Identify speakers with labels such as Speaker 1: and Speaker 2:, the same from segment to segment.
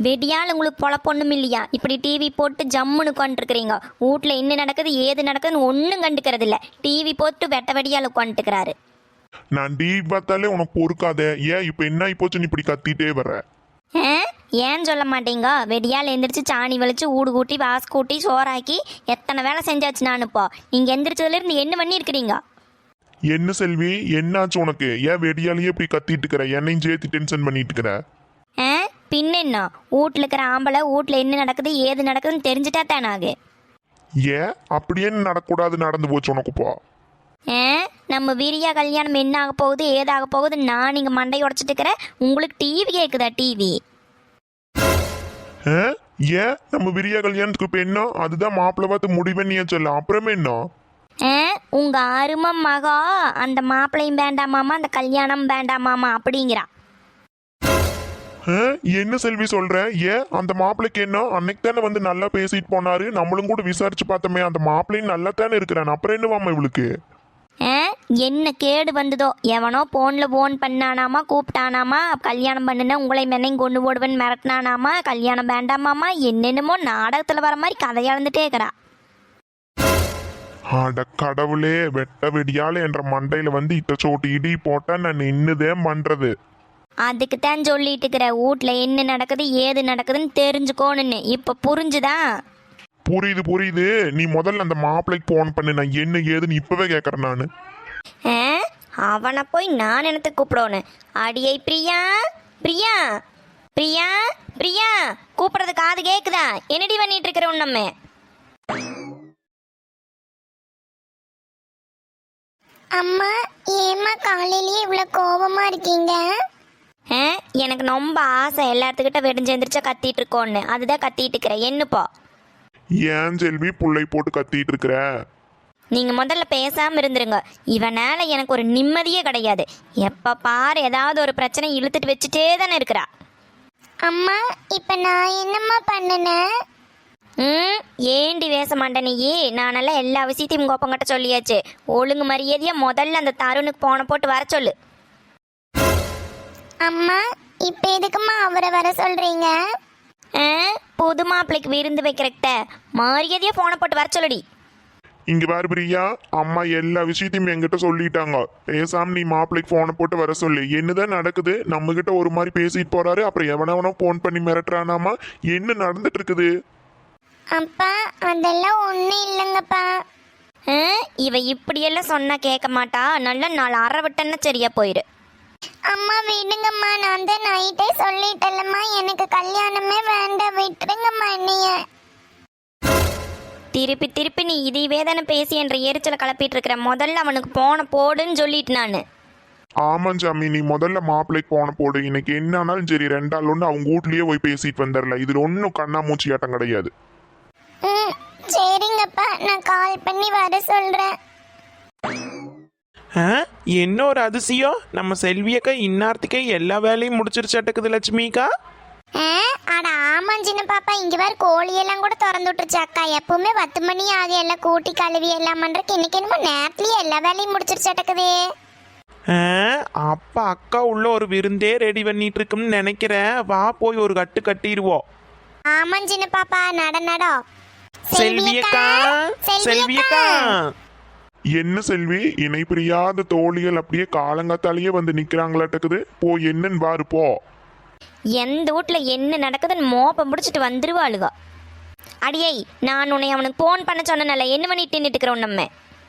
Speaker 1: வெடியால் உங்களுக்கு பொழப்பொண்ணும் இல்லையா? இப்படி டிவி போட்டு ஜம்முன்னு உட்காந்துருக்கிறீங்க. வீட்டில் என்ன நடக்குது ஏது நடக்குதுன்னு ஒன்றும் கண்டுக்கிறது இல்லை. டிவி போட்டு வெட்ட வெடியால் உட்காந்துக்கிறாரு.
Speaker 2: நான் டிவி பார்த்தாலே உனக்கு பொறுக்காத. ஏன் இப்போ என்ன ஆகி போச்சு, நீ இப்படி கத்திட்டே வர்ற?
Speaker 1: ஏன்னு சொல்ல மாட்டீங்க? வெடியால் எந்திரிச்சு சாணி வலிச்சு ஊடு கூட்டி வாசு கூட்டி சோறாக்கி எத்தனை வேலை செஞ்சாச்சு நான். இப்போ நீங்கள் எந்திரிச்சதுலேருந்து என்ன பண்ணியிருக்கிறீங்க?
Speaker 2: என்ன செல்வி, என்னாச்சு உனக்கு? ஏன் வெடியாலேயே இப்படி கத்திட்டு இருக்கிற? என்னையும் சேர்த்து டென்ஷன் பண்ணிட்டு இருக்கிற?
Speaker 1: பின்ன என்ன, வீட்டில் இருக்கிற ஆம்பளை வீட்டில் என்ன நடக்குது ஏது நடக்குதுன்னு தெரிஞ்சுட்டா தானாகு.
Speaker 2: ஏன் அப்படியே நடக்கூடாது நடந்து போச்சு உனக்கு இப்போ?
Speaker 1: நம்ம வீரியா கல்யாணம் என்ன ஆக போகுது ஏதாக போகுது நான் இங்கே மண்டை உடச்சிட்டு இருக்கிறேன். உங்களுக்கு டிவி கேட்குதா? டிவி
Speaker 2: ஏன் நம்ம விரியா கல்யாணத்துக்கு இப்போ என்ன? அதுதான் மாப்பிள்ளை பார்த்து முடிவெண்ணியா சொல்ல, அப்புறமே என்ன?
Speaker 1: உங்க அருமை மகா அந்த மாப்பிள்ளையும் வேண்டாமாமா அந்த கல்யாணம் வேண்டாமாமா அப்படிங்கிறா.
Speaker 2: என்ன செல்வி சொல்ற? ஏன் அந்த மாப்பிள்ளைக்கு என்ன? அன்னைக்கு தானே வந்து நல்லா பேசிட்டு போனாரு. நம்மளும் கூட விசாரிச்சு பார்த்தோமே, அந்த மாப்பிள்ளையும் நல்லா தானே இருக்கிறான். அப்புறம் என்னவாமா இவளுக்கு?
Speaker 1: என்ன கேடு வந்ததோ? எவனோ போன்ல போன் பண்ணானாமா, கூப்பிட்டானாமா, கல்யாணம் பண்ணுன உங்களை மென்னையும் கொண்டு போடுவேன்னு மிரட்டினானாமா, கல்யாணம் வேண்டாமாமா, என்னென்னமோ நாடகத்துல வர மாதிரி கதை இழந்துட்டே இருக்கிறா.
Speaker 2: அட கடவுளே, வெட்ட வெடியால என்ற மண்டையில வந்து இட்ட சோட்டு இடி போட்டா நான் என்னதேன் பண்றது?
Speaker 1: அதுக்கு தான் சொல்லிட்டு இருக்கிற, வீட்டுல என்ன நடக்குது ஏது நடக்குதுன்னு தெரிஞ்சுக்கோன்னு. இப்ப புரிஞ்சுதா?
Speaker 2: புரியுது புரியுது. நீ முதல்ல அந்த மாப்பிள்ளைக்கு போன் பண்ணு, நான் என்ன ஏதுன்னு இப்பவே கேட்கறேன் நானு.
Speaker 1: அவனை போய் நான் என்னத்துக்கு கூப்பிடணும்? அடியை பிரியா பிரியா பிரியா பிரியா கூப்பிடுறது காது கேக்குதா? என்னடி பண்ணிட்டு இருக்கிறோம் நம்ம?
Speaker 3: அம்மா, ஏம்மா காலையிலேயே இவ்வளவு கோபமா இருக்கீங்க?
Speaker 1: எனக்கு ரொம்ப ஆசை எல்லாத்துக்கிட்ட வெடிஞ்செந்திரிச்சா கத்திட்டு இருக்கோன்னு, அதுதான் கத்திட்டு இருக்கிறேன். என்னப்போ?
Speaker 2: ஏன் செல்வி புள்ளை போட்டு கத்திட்டு இருக்கிற?
Speaker 1: நீங்க முதல்ல பேசாம இருந்துருங்க. இவனால எனக்கு ஒரு நிம்மதியே கிடையாது. எப்ப பாரு ஏதாவது ஒரு பிரச்சனை இழுத்துட்டு வச்சுட்டே தானே இருக்கிறா.
Speaker 3: அம்மா, இப்ப நான் என்னம்மா பண்ணுனேன்?
Speaker 1: ஏண்டி பேச மாட்டேன் நீ? நானெல்லாம் எல்லா விஷயத்தையும் உங்க ஒப்பங்கிட்ட சொல்லியாச்சு. ஒழுங்கு மரியாதையா முதல்ல அந்த தருணுக்கு போன போட்டு வர சொல்லு.
Speaker 3: அம்மா, இப்ப எதுக்குமா அவரை வர சொல்றீங்க?
Speaker 1: புது மாப்பிள்ளைக்கு விருந்து வைக்கிறக்கிட்ட மரியாதையா போன போட்டு வர சொல்லுடி.
Speaker 2: இங்க பாரு பிரியா, அம்மா எல்லா விஷயத்தையும் என்கிட்ட சொல்லிட்டாங்க. பேசாம நீ மாப்பிள்ளைக்கு போனை போட்டு வர சொல்லு. என்னதான் நடக்குது? நம்ம கிட்ட ஒரு மாதிரி பேசிட்டு போறாரு, அப்புறம் எவனவனோ போன் பண்ணி மிரட்டுறானாமா. என்ன நடந்துட்டு இருக்குது?
Speaker 3: அப்பா, அதெல்லாம் ஒண்ணும் இல்லைங்கப்பா.
Speaker 1: இவ இப்படியெல்லாம் சொன்னா கேட்க மாட்டா. நல்ல நாள் அரை விட்டன்னா சரியா போயிரு.
Speaker 3: அம்மா விடுங்கம்மா, நான் தான் நைட்டே சொல்லிட்டேன்லம்மா, எனக்கு கல்யாணமே வேண்டாம், விட்டுருங்கம்மா என்னைய.
Speaker 1: திருப்பி திருப்பி நீ இதே தானே பேசி என்ற எரிச்சலை கிளப்பிட்டு இருக்கிற. முதல்ல அவனுக்கு போன போடுன்னு சொல்லிட்டு நானு.
Speaker 2: ஆமா சாமி, நீ முதல்ல மாப்பிள்ளைக்கு போன போடு. இன்னைக்கு என்ன ஆனாலும் சரி, ரெண்டாள் ஒன்று அவங்க வீட்லயே போய் பேசிட்டு வந்துடல. இதுல ஒன்றும் கண்ணாமூச்சி ஆட்டம் கிடையாது.
Speaker 3: சரிங்கப்பா, நான் கால் பண்ணி வர சொல்றேன்.
Speaker 4: என்ன ஒரு அதிசயம்! நம்ம செல்வியக்கா இன்னார்த்திக்கே எல்லா வேலையும் முடிச்சிருச்சாட்டுக்குது லட்சுமிக்கா.
Speaker 3: அட ஆமாஞ்சின பாப்பா, இங்க வேற கோழியெல்லாம் கூட திறந்து விட்டுருச்சு அக்கா. எப்பவுமே 10 மணி ஆகும் எல்லாம் கூட்டி கழுவி எல்லாம் பண்றதுக்கு. இன்னைக்கு என்னமோ நேரத்துலயே எல்லா வேலையும் முடிச்சிருச்சாட்டுக்குது.
Speaker 4: அப்பா அக்கா உள்ள ஒரு விருந்தே ரெடி பண்ணிட்டு இருக்குன்னு நினைக்கிறேன். வா போய் ஒரு கட்டு கட்டிடுவோம்.
Speaker 3: ஆமாஞ்சின பாப்பா, நடோ.
Speaker 4: செல்வியக்கா, செல்வியக்கா.
Speaker 2: என்ன செல்வி, இணை பிரியாத தோழிகள் அப்படியே காலங்காத்தாலேயே வந்து நிக்கிறாங்களாட்டக்குது. போ, என்னன்னு பாரு போ.
Speaker 1: எந்த வீட்டுல என்ன நடக்குதுன்னு மோப்பம் முடிச்சிட்டு வந்துருவாளுக. அடியை, நான் உன்னை அவனுக்கு போன் பண்ண சொன்னல, என்ன பண்ணிட்டு நின்றுட்டு இருக்கிறோம் நம்ம?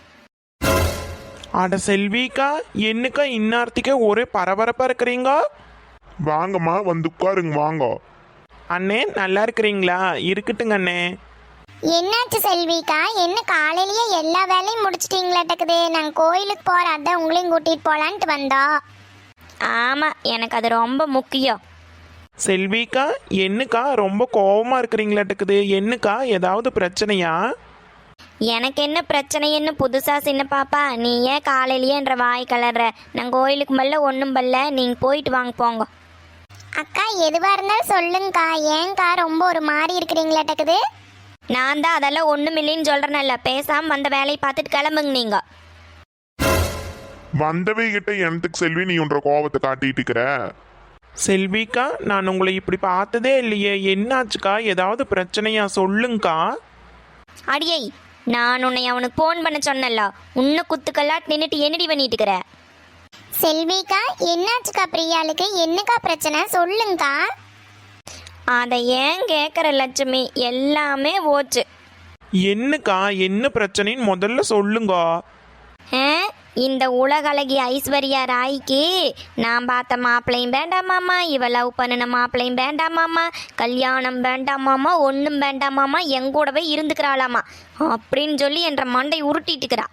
Speaker 4: அட செல்விக்கா, என்னக்கா இன்னார்த்திக்கே ஒரே பரபரப்பா இருக்கிறீங்க?
Speaker 2: வாங்கம்மா, வந்து உட்காருங்க வாங்க.
Speaker 4: அண்ணே நல்லா இருக்கிறீங்களா? இருக்கட்டுங்க அண்ணே.
Speaker 3: என்னாச்சு செல்விக்கா, என்ன காலையிலேயே எல்லா வேலையும் முடிச்சிட்டீங்களாட்டக்குது? நாங்கள் கோயிலுக்கு போகிறோம், அதான் உங்களையும் கூட்டிகிட்டு போகலான்ட்டு வந்தோம்.
Speaker 1: ஆமாம், எனக்கு அது ரொம்ப முக்கியம்.
Speaker 4: செல்விக்கா, என்னக்கா ரொம்ப கோபமாக இருக்கிறீங்களாட்டுக்குது? என்னக்கா, ஏதாவது பிரச்சனையா?
Speaker 1: எனக்கு என்ன பிரச்சனைன்னு புதுசா சின்ன பாப்பா? நீ ஏன் காலையிலேயே என்ற வாய் கலர்ற? நான் கோயிலுக்கு மல்ல ஒன்றும் பல்ல, நீங்கள் போயிட்டு வாங்க போங்க.
Speaker 3: அக்கா, எதுவாக இருந்தாலும் சொல்லுங்கக்கா. ஏங்கா ரொம்ப ஒரு மாதிரி இருக்கிறீங்களாட்டக்குது?
Speaker 1: நான் தான் அதெல்லாம் ஒன்றும் இல்லைன்னு சொல்கிறேன்ல. பேசாமல் வந்த வேலையை பார்த்துட்டு கிளம்புங்க நீங்க.
Speaker 2: வந்தவே கிட்ட எனக்கு செல்வி நீ உன்ற கோபத்தை காட்டிட்டு இருக்கிற.
Speaker 4: செல்விக்கா, நான் உங்களை இப்படி பார்த்ததே இல்லையே, என்னாச்சுக்கா? ஏதாவது பிரச்சனையா? சொல்லுங்கக்கா.
Speaker 1: அடியை, நான் உன்னை அவனுக்கு ஃபோன் பண்ண சொன்னல, உன்னை குத்துக்கல்லாட் நின்றுட்டு என்னடி பண்ணிட்டு இருக்கிற?
Speaker 3: செல்விக்கா என்னாச்சுக்கா? பிரியாளுக்கு என்னக்கா பிரச்சனை சொல்லுங்கக்கா.
Speaker 1: அதை ஏன் கேட்குற லட்சுமி, எல்லாமே போச்சு.
Speaker 4: என்னக்கா, என்ன பிரச்சனைன்னு முதல்ல சொல்லுங்க.
Speaker 1: ஆ, இந்த உலகளகி ஐஸ்வர்யா ராய்க்கு நான் பார்த்த மாப்பிள்ளையும் வேண்டாமாம்மா, இவ லவ் பண்ணின மாப்பிள்ளையும் வேண்டாமாம்மா, கல்யாணம் வேண்டாமாம்மா, ஒன்றும் வேண்டாமாம்மா, எங்கூடவே இருந்துக்கிறாளாமா அப்படின்னு சொல்லி என்ற மண்டை உருட்டிட்டுக்கிறா.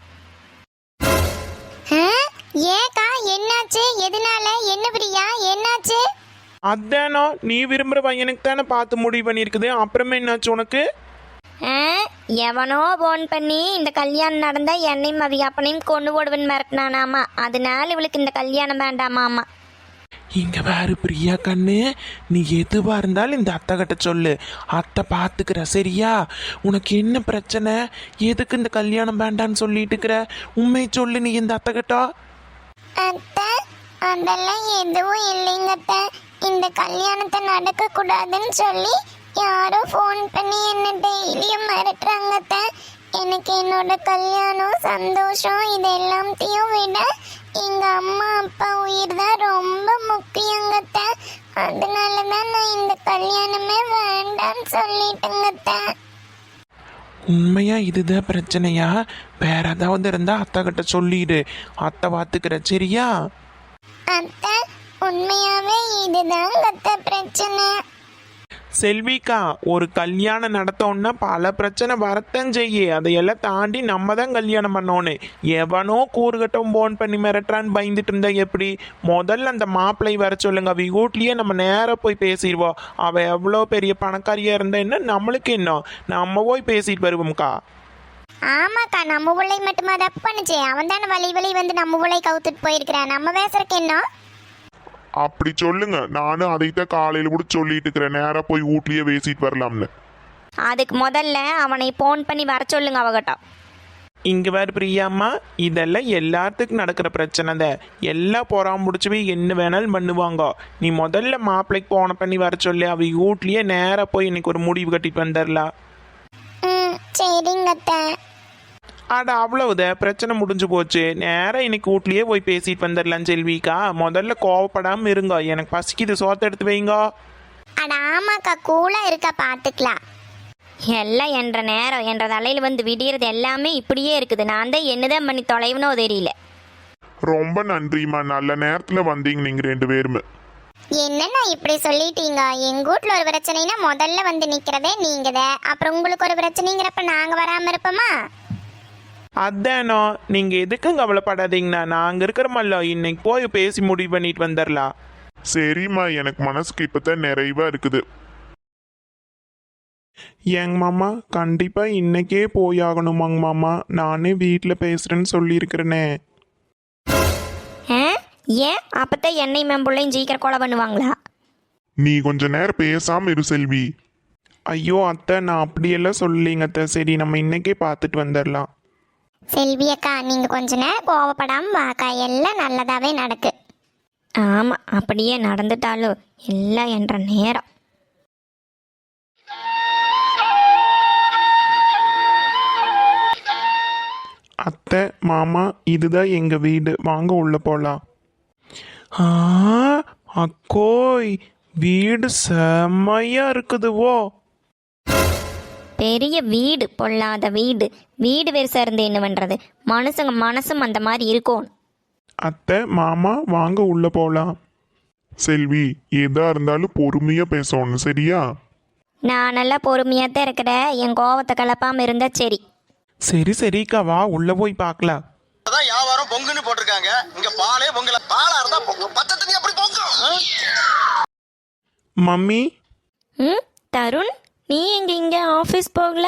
Speaker 3: ஏக்கா என்னாச்சு? எதனால? என்ன பிரியா என்னாச்சு?
Speaker 4: அதானோ, நீ விரும்புகிற பையனுக்கு தானே பார்த்து முடிவு பண்ணியிருக்குது, அப்புறமே என்னாச்சு உனக்கு?
Speaker 1: ஆ, எவனோ ஃபோன் பண்ணி இந்த கல்யாணம் நடந்தா என்னையும் அது அப்பனையும் கொண்டு போடுவேன்னு மிரட்டினானாமா, அதனால இவளுக்கு இந்த கல்யாணம் வேண்டாமாம்மா.
Speaker 4: இங்க வேறு பிரியா கண்ணு, நீ எதுவா இருந்தாலும் இந்த அத்தை கிட்ட சொல்லு, அத்தை பார்த்துக்கிற சரியா? உனக்கு என்ன பிரச்சனை? எதுக்கு இந்த கல்யாணம் வேண்டான்னு சொல்லிட்டு இருக்கிற? உண்மை சொல்லு நீ இந்த அத்தை கிட்ட.
Speaker 3: அத்தை, அதெல்லாம் எதுவும் இல்லைங்க அத்தை. இந்த கல்யாணத்தை நடக்க கூடாதுன்னு சொல்லி யாரோ ஃபோன் பண்ணி என்ன டெய்லியும் மிரட்டுறாங்க அத்தை. எனக்கு என்னோட கல்யாணம் சந்தோஷம் இது எல்லாத்தையும் விட எங்க அம்மா அப்பா உயிர் தான் ரொம்ப முக்கியங்க அத்தை. அதனால தான் நான் இந்த கல்யாணமே வேண்டான்னு சொல்லிட்டேங்க அத்தை.
Speaker 4: உண்மையா இதுதான் பிரச்சனையா? வேற ஏதாவது இருந்தா அத்தை கிட்ட சொல்லிடு, அத்தை பார்த்துக்கிற சரியா?
Speaker 3: அத்தை, உண்மையாவே இதுதான் அத்தை பிரச்சனை.
Speaker 4: செல்விக்கா, ஒரு கல்யாணம் நடத்தோன்னா பல பிரச்சனை வரத்தான் செய்ய, அதையெல்லாம் தாண்டி நம்ம தான் கல்யாணம் பண்ணோன்னு. எவனோ கூறுகட்டும் ஃபோன் பண்ணி மிரட்டுறான்னு பயந்துட்டு இருந்தா எப்படி? முதல்ல அந்த மாப்பிள்ளை வர சொல்லுங்க, அவ வீட்லயே நம்ம நேராக போய் பேசிடுவோம். அவ எவ்வளோ பெரிய பணக்காரியா இருந்தா என்ன, நம்மளுக்கு என்ன, நம்ம போய் பேசிட்டு வருவோம்க்கா.
Speaker 3: ஆமாக்கா, நம்ம பிள்ளை மட்டுமா தப்பு பண்ணுச்சு? அவன் தானே வழி வழி வந்து நம்ம பிள்ளை கவுத்துட்டு போயிருக்கிறான். நம்ம பேசுறக்கு என்ன?
Speaker 2: அப்படி சொல்லுங்க, நானும் அதைத்தான் காலையில கூட சொல்லிட்டு இருக்கிறேன், நேரா போய் வீட்லயே பேசிட்டு வரலாம்னு.
Speaker 1: அதுக்கு முதல்ல அவனை ஃபோன் பண்ணி வர சொல்லுங்க அவகிட்ட.
Speaker 4: இங்கே வேறு பிரியாம்மா, இதெல்லாம் எல்லாத்துக்கும் நடக்கிற பிரச்சனை தான். எல்லாம் பொறாம முடிச்சு போய் என்ன வேணாலும் பண்ணுவாங்க. நீ முதல்ல மாப்பிள்ளைக்கு ஃபோனை பண்ணி வர சொல்லி அவ வீட்லயே நேராக போய் இன்னைக்கு ஒரு முடிவு கட்டிட்டு வந்துடலாம்.
Speaker 3: சரிங்க அத்தை.
Speaker 4: அட அவ்வளவுதான், பிரச்சனை முடிஞ்சு போச்சு. நேராக இன்னைக்கு வீட்லயே போய் பேசிட்டு வந்துடலாம். செல்விக்கா, முதல்ல கோவப்படாமல் இருங்க, எனக்கு பசிக்குது, சோத்தை எடுத்து வைங்க.
Speaker 3: அட ஆமாக்கா, கூலா இருக்கா, பார்த்துக்கலாம்.
Speaker 1: எல்லாம் என்ற நேரம் என்ற தலையில் வந்து விடியறது எல்லாமே இப்படியே இருக்குது. நான் தான் என்னதான் பண்ணி தொலைவனோ தெரியல.
Speaker 2: ரொம்ப நன்றிம்மா, நல்ல நேரத்துல வந்தீங்க நீங்க ரெண்டு பேருமே.
Speaker 3: என்னண்ணா இப்படி சொல்லிட்டீங்க? எங்க வீட்ல ஒரு பிரச்சனைனா முதல்ல வந்து நிக்கிறதே நீங்கதான். அப்புறம் உங்களுக்கு ஒரு பிரச்சனைங்கிறப்ப நாங்க வராம இருப்போமா?
Speaker 4: அதானோ, நீங்க எதுக்கும் கவலைப்படாதீங்கண்ணா, நாங்க இருக்கிறோமல்ல, இன்னைக்கு போய் பேசி முடிவு பண்ணிட்டு வந்துடலாம்.
Speaker 2: சரிம்மா, எனக்கு மனசுக்கு இப்பதான் நிறைவா இருக்குது.
Speaker 4: ஏங்க மாமா, கண்டிப்பா இன்னைக்கே போயாகணுமாங்க மாமா, நானே வீட்டில் பேசுறேன்னு சொல்லியிருக்கிறேனே.
Speaker 1: ஆ, ஏன் அப்பத்தான் என்னை மேம்புள்ளையும் சீக்கிரம் கொலை பண்ணுவாங்களா?
Speaker 2: நீ கொஞ்ச நேரம் பேசாம இரு செல்வி.
Speaker 4: ஐயோ அத்தை, நான் அப்படியெல்லாம் சொல்லலைங்க அத்தை. சரி, நம்ம இன்னைக்கே பார்த்துட்டு வந்துடலாம்.
Speaker 3: செல்வி அக்கா, நீங்க கொஞ்ச நேரம் கோவப்படாம வாக்கா, எல்லாம் நல்லதாவே நடக்கு.
Speaker 1: ஆமாம், அப்படியே நடந்துட்டாலும் எல்லாம் என்ற நேரம்.
Speaker 4: அத்தை, மாமா, இதுதான் எங்க வீடு, வாங்க உள்ள போலாம். அக்கோய், வீடு செம்மையா இருக்குதுவோ.
Speaker 1: பெரிய வீடு, பொல்லாத வீடு. வீடு பெருசாக இருந்து என்ன பண்ணுறது? மனுஷங்க மனசும் அந்த மாதிரி இருக்கும்.
Speaker 4: அத்தை, மாமா, வாங்க உள்ள போலாம்.
Speaker 2: செல்வி, எதா இருந்தாலும் பொறுமையா பேசணும் சரியா?
Speaker 1: நான் நல்லா பொறுமையாக தான் இருக்கிறேன், என் கோவத்தை கலப்பாமல் இருந்தால் சரி.
Speaker 4: சரி சரிக்கா, வா உள்ள போய் பார்க்கலாம்.
Speaker 5: அதான் வியாபாரம் பொங்குன்னு போட்டிருக்காங்க, இங்க பாலே பொங்கல. பாலா இருந்தா பொங்கும், பச்சை தண்ணி அப்படி பொங்கும்.
Speaker 4: மம்மி.
Speaker 1: ம், தருண், நீ எங்க இங்கே ஆஃபீஸ் போகல?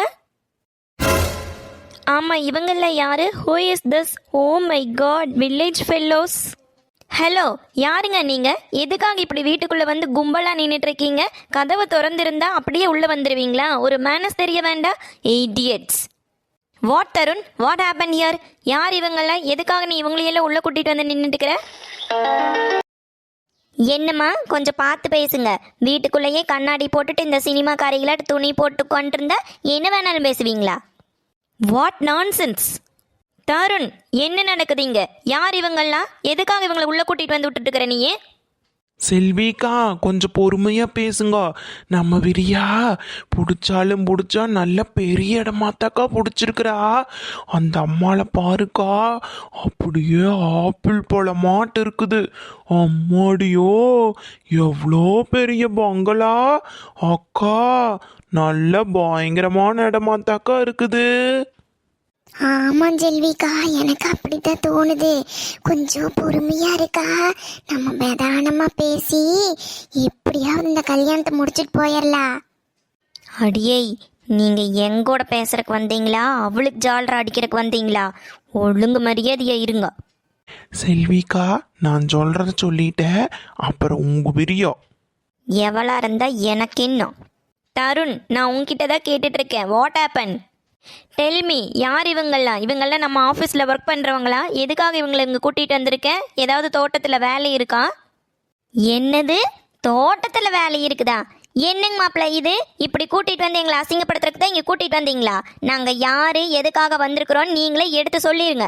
Speaker 1: ஆமாம், இவங்கள யாரு? Who is this? Oh my god, village fellows. Hello, யாருங்க நீங்கள்? எதுக்காக இப்படி வீட்டுக்குள்ளே வந்து கும்பலாக நின்றுட்டுருக்கீங்க? கதவை திறந்திருந்தா அப்படியே உள்ளே வந்துடுவீங்களா? ஒரு மேனஸ் தெரிய வேண்டாம்? Idiots. What Tarun, what happen here? யார் இவங்கள? எதுக்காக நீ இவங்களையெல்லாம் உள்ளே கூட்டிகிட்டு வந்து நின்றுட்டுக்கிற? என்னம்மா கொஞ்சம் பார்த்து பேசுங்க. வீட்டுக்குள்ளேயே கண்ணாடி போட்டுட்டு இந்த சினிமா காரிகள துணி போட்டு கொண்டிருந்தா என்ன வேணாலும் பேசுவீங்களா? What nonsense! தருண், என்ன நடக்குதுங்க? யார் இவங்கெல்லாம்? எதுக்காக இவங்களை உள்ள கூட்டிட்டு வந்து விட்டுட்டு இருக்கிற நீயே?
Speaker 4: செல்விக்கா கொஞ்சம் பொறுமையா பேசுங்க. நம்ம விரியா பிடிச்சாலும் பிடிச்சா நல்ல பெரிய இடமாத்தாக்கா பிடிச்சிருக்கிறா. அந்த அம்மாவை பாருக்கா, அப்படியே ஆப்பிள் பழமாட்டு இருக்குது. அம்மாடியோ, எவ்வளோ பெரிய பங்களா அக்கா! நல்ல பயங்கரமான இடமாத்தாக்கா இருக்குது.
Speaker 3: ஆமா செல்விக்கா, எனக்கு அப்படித்தான் தோணுது. கொஞ்சம் பொறுமையா இருக்கா, நம்ம பிரதானமா பேசி எப்படியாவது இந்த கல்யாணத்தை முடிச்சிட்டு போயிடலாம்.
Speaker 1: அடியே, நீங்க எங்கூட பேசுறதுக்கு வந்தீங்களா, அவளுக்கு ஜாலரா அடிக்கிறதுக்கு வந்தீங்களா? ஒழுங்கு மரியாதையா இருங்க.
Speaker 4: செல்விக்கா, நான் சொல்றத சொல்லிட்டேன், அப்புறம் உங்க விரியா.
Speaker 1: எவளா இருந்தா எனக்கு இன்னும். தருண், நான் உன்கிட்ட தான் கேட்டுட்டு இருக்கேன். What happen? டெல்மி, யார் இவங்கெல்லாம்? இவங்கெல்லாம் நம்ம ஆஃபீஸில் ஒர்க் பண்ணுறவங்களா? எதுக்காக இவங்களை இங்கே கூட்டிகிட்டு வந்திருக்கேன்? ஏதாவது தோட்டத்தில் வேலை இருக்கா? என்னது, தோட்டத்தில் வேலை இருக்குதா? என்னங்க மாப்பிள்ள இது? இப்படி கூட்டிகிட்டு வந்து எங்களை அசிங்கப்படுத்துறதுக்கு தான் இங்கே கூட்டிகிட்டு வந்தீங்களா? நாங்கள் யார், எதுக்காக வந்திருக்கிறோன்னு நீங்களே எடுத்து சொல்லிடுங்க.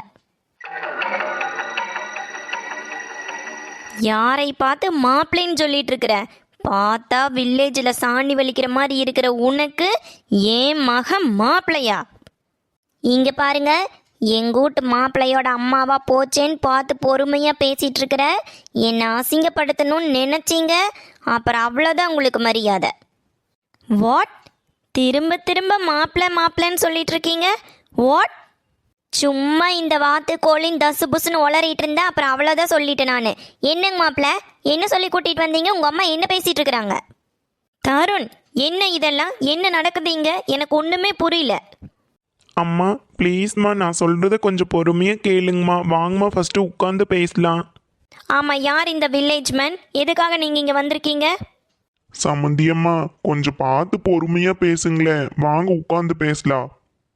Speaker 1: யாரை பார்த்து மாப்பிள்ளைன்னு சொல்லிட்டு இருக்கிற? பார்த்தா வில்லேஜில் சாணி வலிக்கிற மாதிரி இருக்கிற உனக்கு ஏன் மகன் மாப்பிள்ளையா? இங்கே பாருங்க, எங்கள் வீட்டு மாப்பிள்ளையோட அம்மாவா போச்சேன்னு பார்த்து பொறுமையாக பேசிகிட்டு இருக்கிற. என்னை அசிங்கப்படுத்தணும்னு நினச்சிங்க, அப்புறம் அவ்வளோதான் உங்களுக்கு மரியாதை. வாட்? திரும்ப திரும்ப மாப்பிள்ளை மாப்பிள்ளைன்னு சொல்லிட்டு இருக்கீங்க. வாட்? சும்மா இந்த வாத்து கோழின் தசு புசுன்னு உளறிட்டு இருந்தா அப்புறம் அவ்வளோதான் சொல்லிட்டேன் நான். என்னங்க மாப்பிள்ள, என்ன சொல்லி கூட்டிகிட்டு வந்தீங்க? உங்கள் அம்மா என்ன பேசிகிட்டு இருக்கிறாங்க? தருண், என்ன இதெல்லாம்? என்ன நடக்குது இங்கே? எனக்கு ஒன்றுமே புரியல.
Speaker 4: அம்மா ப்ளீஸ்மா, நான் சொல்றத கொஞ்சம் பொறுமையா கேளுங்கம்மா. வாங்கம்மா, ஃபர்ஸ்ட் உட்காந்து பேசலாம்.
Speaker 1: ஆமாம், யார் இந்த வில்லேஜ் மேன்? எதுக்காக நீங்கள் இங்கே வந்திருக்கீங்க?
Speaker 2: சம்மந்தியம்மா, கொஞ்சம் பார்த்து பொறுமையா பேசுங்களேன். வாங்க உட்காந்து பேசலாம்.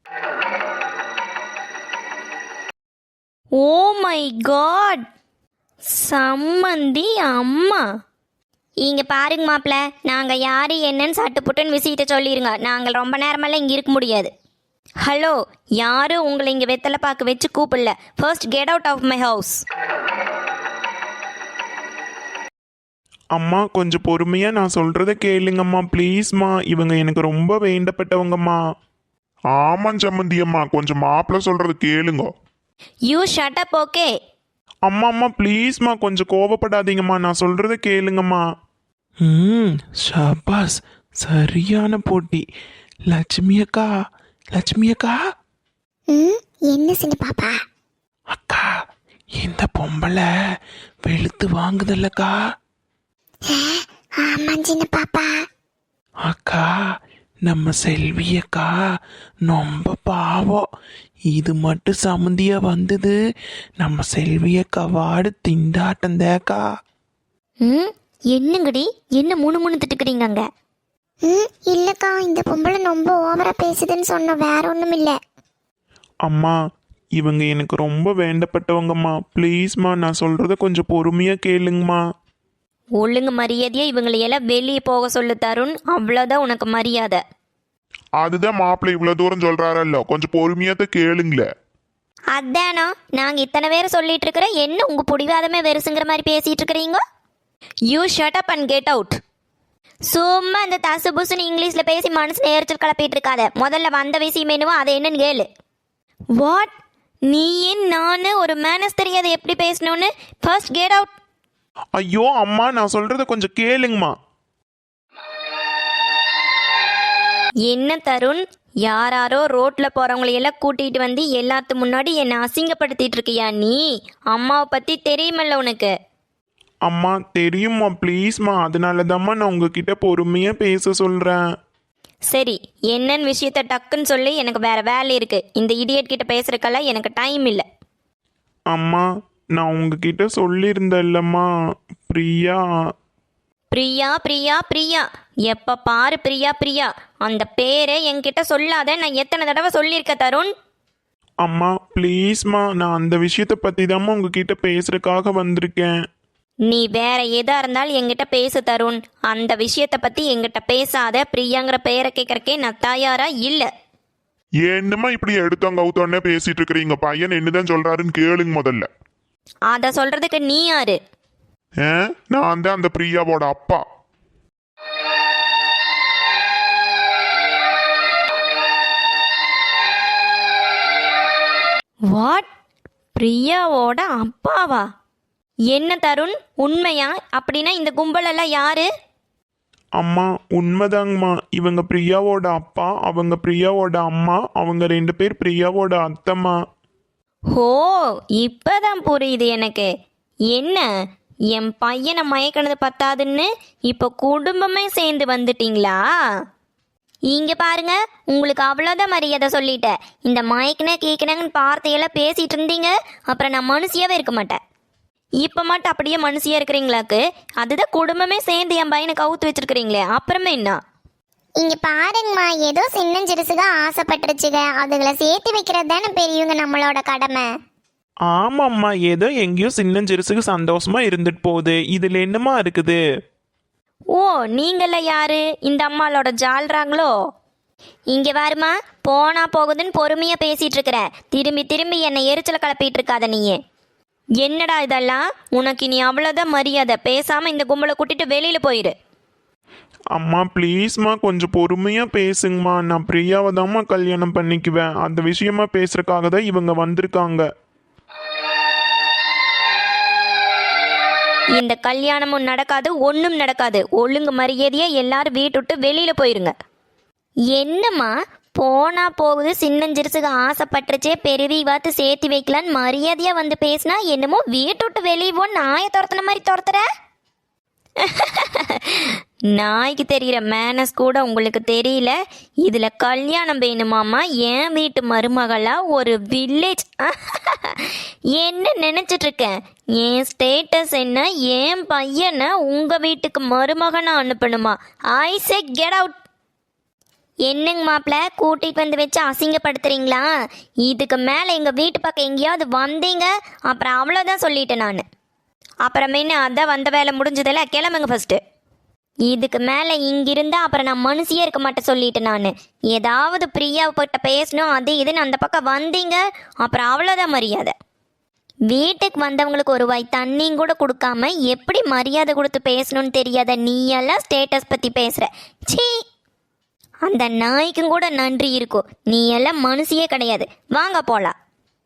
Speaker 1: ஓ மை காட், சம்மந்தி அம்மா! இங்கே பாருங்க மாப்பிள்ள, நாங்கள் யார் என்னன்னு சட்டு புட்டுன்னு விசிட்ட சொல்லிடுங்க. நாங்கள் ரொம்ப நேரமெல்லாம் இங்கே இருக்க முடியாது. ஹலோ, யாரும் உங்களை இங்கே வெத்தலை பாக்கு வச்சு கூப்பிடல. First get out of my house.
Speaker 4: அம்மா கொஞ்சம் பொறுமையா நான் சொல்றத கேளுங்கம்மா ப்ளீஸ்மா. இவங்க எனக்கு ரொம்ப வேண்டப்பட்டவங்கம்மா.
Speaker 2: ஆமாம் சம்மந்தியம்மா, கொஞ்சம் மாப்பிள்ள சொல்றது கேளுங்க.
Speaker 1: You shut up, okay?
Speaker 4: அம்மா அம்மா ப்ளீஸ்மா, கொஞ்சம் கோவப்படாதீங்கம்மா, நான் சொல்றத கேளுங்கம்மா. ஷபாஸ், சரியான போட்டி. லட்சுமி அக்கா, லட்சுமி அக்கா.
Speaker 3: என்ன சின்ன பாப்பா?
Speaker 4: அக்கா, இந்த பொம்பளை வெளுத்து வாங்குதல்லக்கா.
Speaker 3: ஆமா சின்ன பாப்பா.
Speaker 4: அக்கா, நம்ம செல்வி அக்கா ரொம்ப பாவம். இது மட்டும் சம்மந்தியா வந்தது, நம்ம செல்வி அக்கா வாடு திண்டாட்டம் தேக்கா.
Speaker 1: என்னங்கடி, என்ன முணு முணு திட்டுக்கிறீங்க அங்க?
Speaker 3: இல்லக்கா, இந்த பொம்பளை ரொம்ப ஓவரா பேசுதுன்னு சொன்ன, வேற ஒண்ணும் இல்ல.
Speaker 4: அம்மா, இவங்க எனக்கு ரொம்ப வேண்டப்பட்டவங்கம்மா. ப்ளீஸ்மா, நான் சொல்றத கொஞ்சம் பொறுமையா கேளுங்கம்மா.
Speaker 1: ஒழுங்கு மரியாதையா இவங்களையெல்லாம் வெளியே போக சொல்லு தருண். அவ்வளோதான் உனக்கு மரியாதை.
Speaker 2: அதுதான் மாப்பிள்ளை இவ்வளவு தூரம் சொல்றாரல்ல, கொஞ்சம் பொறுமையாத்த கேளுங்களே.
Speaker 1: அதானா, நாங்கள் இத்தனை பேர் சொல்லிட்டு இருக்கிற, என்ன உங்க பிடிவாதமே வெறுசுங்கிற மாதிரி பேசிட்டு இருக்கிறீங்க? You shut up and get out. சும்மா இந்த தசு புசுன்னு இங்கிலீஷ்ல பேசி மனசு நேரத்தில் கிளப்பிட்டு இருக்காத. முதல்ல வந்த விஷயம் என்னவோ அதை என்னன்னு கேளு. வாட்? நீ ஏன் நானு ஒரு மேனஸ் தெரியாத எப்படி பேசணும்னு? First get out.
Speaker 4: ஐயோ அம்மா, நான் சொல்றத கொஞ்சம் கேளுங்கம்மா.
Speaker 1: என்ன தருண், யாராரோ ரோட்ல போறவங்களையெல்லாம் கூட்டிட்டு வந்து எல்லாத்து முன்னாடி என்னை அசிங்கப்படுத்திட்டு இருக்கியா நீ? அம்மாவை பத்தி தெரியுமல்ல உனக்கு?
Speaker 4: அம்மா தெரியுமா, ப்ளீஸ்மா, அதனால தாம்மா நான் உங்ககிட்ட பொறுமையா பேச சொல்றேன்.
Speaker 1: சரி, என்னன்னு விஷயத்த டக்குன்னு சொல்லி, எனக்கு வேற வேலை இருக்கு. இந்த இடியட் கிட்ட பேசுறதுக்கெல்லாம் எனக்கு டைம் இல்லை.
Speaker 4: அம்மா, நான் உங்ககிட்ட சொல்லியிருந்தேன்லம்மா, பிரியா.
Speaker 1: பிரியா பிரியா பிரியா, எப்ப பாரு பிரியா பிரியா. அந்த பேரை என்கிட்ட சொல்லாத. நான் எத்தனை தடவை சொல்லியிருக்க தருண்?
Speaker 4: அம்மா ப்ளீஸ்மா, நான் அந்த விஷயத்தை பற்றி தாம்மா உங்ககிட்ட பேசுறதுக்காக வந்திருக்கேன்.
Speaker 1: நீ வேற எதா இருந்தாலும் என்கிட்ட பேசு தருண். அந்த விஷயத்தை பத்தி என்கிட்ட பேசாத. பிரியாங்கிற பெயரை கேட்கறக்கே நான் தயாரா இல்ல.
Speaker 2: என்னம்மா இப்படி எடுத்தோங்க அவுத்தோன்னே பேசிட்டு இருக்கிறீங்க? பையன் என்னதான் சொல்றாருன்னு கேளுங்க முதல்ல.
Speaker 1: அத சொல்றதுக்கு நீ யாரு?
Speaker 2: நான் தான் அந்த பிரியாவோட அப்பா.
Speaker 1: வாட்? பிரியாவோட அப்பாவா? என்ன தருண், உண்மையா? அப்படின்னா இந்த கும்பலெல்லாம் யாரு?
Speaker 4: அம்மா உண்மைதாங்கம்மா. இவங்க பிரியாவோட அப்பா, அவங்க பிரியாவோட அம்மா, அவங்க 2 பேர் பிரியாவோட அத்தம்மா.
Speaker 1: ஹோ, இப்பதான் புரியுது எனக்கு. என்ன, என் பையனை மயக்கினது பத்தாதுன்னு இப்ப குடும்பமே சேர்ந்து வந்துட்டீங்களா? இங்க பாருங்க, உங்களுக்கு அவ்வளோதான் மரியாதை சொல்லிட்டேன். இந்த மயக்கின கேட்கினங்கன்னு வார்த்தையெல்லாம் பேசிட்டு இருந்தீங்க, அப்புறம் நான் மனுஷியாவே இருக்க மாட்டேன். இப்போ மட்டும் அப்படியே மனுஷியா இருக்கிறீங்களாக்கு? அதுதான் குடும்பமே சேர்ந்து என் பையனை கவுத்து வச்சிருக்கிறீங்களே, அப்புறமே என்ன?
Speaker 3: இங்க பாருங்கம்மா, ஏதோ சின்னஞ்சிறுசுக ஆசைப்பட்டுருச்சுங்க, அதுகளை சேர்த்து வைக்கிறது தானே பெரியவங்க நம்மளோட கடமை.
Speaker 4: ஆமாம்மா, ஏதோ எங்கேயோ சின்னஞ்சிறுசுக்கு சந்தோஷமா இருந்துட்டு போகுது. இதுல என்னமா இருக்குது?
Speaker 1: ஓ, நீங்கள யாரு இந்த அம்மாளோட ஜால்றாங்களோ? இங்க வாருமா, போனா போகுதுன்னு பொறுமையா பேசிட்டு இருக்கிற. திரும்பி திரும்பி என்னை எரிச்சல கிளப்பிட்டு இருக்காத நீயே. என்னடா இதெல்லாம்? உனக்கு நீ அவ்வளோதான் மரியாதை. பேசாம இந்த கும்பலை கூட்டிட்டு வெளியில போயிரு.
Speaker 4: அம்மா ப்ளீஸ்மா, கொஞ்சம் பொறுமையா பேசுங்கம்மா. நான் பிரியாவை தாம்மா கல்யாணம் பண்ணிக்குவேன். அந்த விஷயமா பேசுறதுக்காக தான் இவங்க வந்திருக்காங்க.
Speaker 1: இந்த கல்யாணமும் நடக்காது, ஒன்றும் நடக்காது. ஒழுங்கு மரியாதையா எல்லாரும் வீட்டு விட்டு வெளியில போயிருங்க. என்னம்மா, போனா போகுது, சின்னஞ்சிறுசுக்கு ஆசைப்பட்டுருச்சே, பெருவி பார்த்து சேர்த்து வைக்கலான்னு மரியாதையா வந்து பேசினா என்னமோ வீட்டு விட்டு வெளியே போ நாயை துரத்துன மாதிரி துரத்துற. நாய்க்கு தெரிகிற மேனஸ் கூட உங்களுக்கு தெரியல. இதுல கல்யாணம் வேணுமாமா? என் வீட்டு மருமகளா ஒரு வில்லேஜ்? என்ன நினைச்சிட்டு இருக்கேன்? என் ஸ்டேட்டஸ் என்ன? என் பையனை உங்க வீட்டுக்கு மருமகனா அனுப்பணுமா? ஐ சே கெட் அவுட். என்னங்க மாப்பிள்ள, கூட்டிகிட்டு வந்து வச்சு அசிங்கப்படுத்துறீங்களா? இதுக்கு மேலே எங்கள் வீட்டு பக்கம் எங்கேயாவது வந்தீங்க அப்புறம் அவ்வளோதான் சொல்லிட்டேன் நான். அப்புறமேனு அதான் வந்த வேலை முடிஞ்சதில்ல, கிளம்புங்க ஃபஸ்ட்டு. இதுக்கு மேலே இங்கிருந்தா அப்புறம் நான் மனுஷியே இருக்க மாட்டேன் சொல்லிட்டேன் நான். ஏதாவது பிரியாவிட்ட பேசணும் அது இதுன்னு அந்த பக்கம் வந்தீங்க அப்புறம் அவ்வளோதான் மரியாதை. வீட்டுக்கு வந்தவங்களுக்கு ஒரு வாய் தண்ணியும் கூட கொடுக்காம எப்படி மரியாதை கொடுத்து பேசணும்னு தெரியாத நீ எல்லாம் ஸ்டேட்டஸ் பற்றி பேசுகிற. சீ, அந்த நாய்க்கும் கூட நன்றி இருக்கும். நீ எல்லாம் மனுஷியே கிடையாது. வாங்க போலாம்.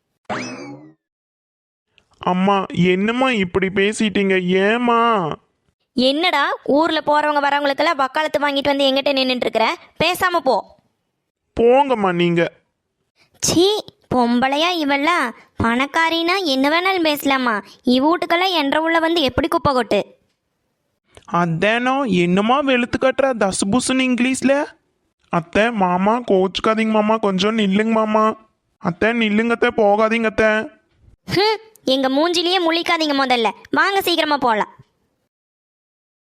Speaker 4: அம்மா என்னம்மா இப்படி பேசிட்டீங்க? ஏமா?
Speaker 1: என்னடா, ஊர்ல போறவங்க வரவங்களுக்கெல்லாம் வக்காலத்து வாங்கிட்டு வந்து எங்கிட்ட நின்றுட்டு இருக்கிற? பேசாம போ.
Speaker 4: போங்கம்மா நீங்க.
Speaker 1: சீ, பொம்பளையா இவளா? பணக்காரினா என்ன வேணாலும் பேசலாமா? இவ்வூட்டுக்கெல்லாம் என்ற உள்ள வந்து எப்படி குப்பை கொட்டு?
Speaker 4: அதானோ என்னம்மா வெளுத்து கட்டுற தசுபுசுன்னு இங்கிலீஷ்ல? அத்தை மாமா கோச்சுக்காதீங்க மாமா, கொஞ்சம் நில்லுங்க மாமா. அத்தை நில்லுங்க அத்தை, போகாதீங்க அத்தை.
Speaker 1: எங்க மூஞ்சிலேயே முழிக்காதீங்க முதல்ல. வாங்க சீக்கிரமா போலாம்.